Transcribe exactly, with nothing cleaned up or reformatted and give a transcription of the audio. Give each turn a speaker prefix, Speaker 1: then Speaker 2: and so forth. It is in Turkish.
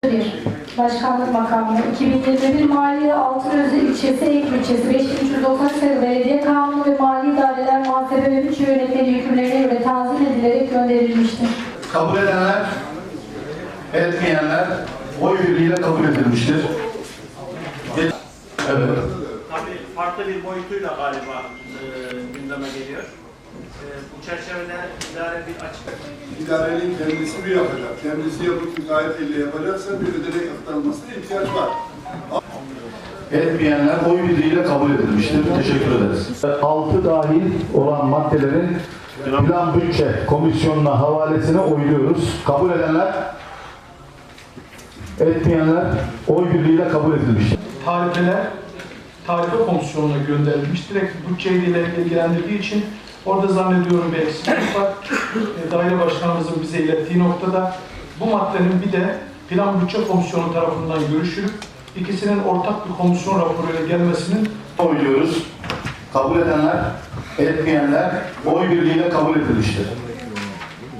Speaker 1: bir Başkanlık makamı, iki bin yirmi bir Mali Altınözü ilçesi, Eyüp ilçesi, beş bin üç yüz doksan sayılı Belediye Kanunu ve Mali İdareler Muhasebe ve Bütçe Yönetmeliği hükümlerine göre tanzim edilerek gönderilmiştir.
Speaker 2: Kabul edenler, etmeyenler oy birliğiyle kabul edilmiştir. Evet.
Speaker 3: Tabii farklı bir boyutuyla galiba e, gündeme geliyor. E, bu çerçevede idare bir açık.
Speaker 4: İdarenin kendisi bir yapacak. Kendisi yapıp gayet elle yapacaksa bir ödenek aktarılmasına ihtiyaç var.
Speaker 2: Etmeyenler oy birliğiyle kabul edilmiştir. Teşekkür ederiz. altı dahil olan maddelerin Plan Bütçe Komisyonu'na havalesine oyluyoruz. Kabul edenler, etmeyenler oy birliğiyle kabul edilmiştir.
Speaker 5: Tarifeler Tarife Komisyonu'na gönderilmiş. Direkt bütçeyle ilgilendirdiği için orada zannediyorum bir eksiklik var. E, Daire Başkanımızın bize ilettiği noktada bu maddenin bir de Plan Bütçe Komisyonu tarafından görüşülüp ikisinin ortak bir komisyon raporuyla gelmesinin
Speaker 2: Oyluyoruz. Kabul edenler, etmeyenler oy birliğiyle kabul edilmiştir.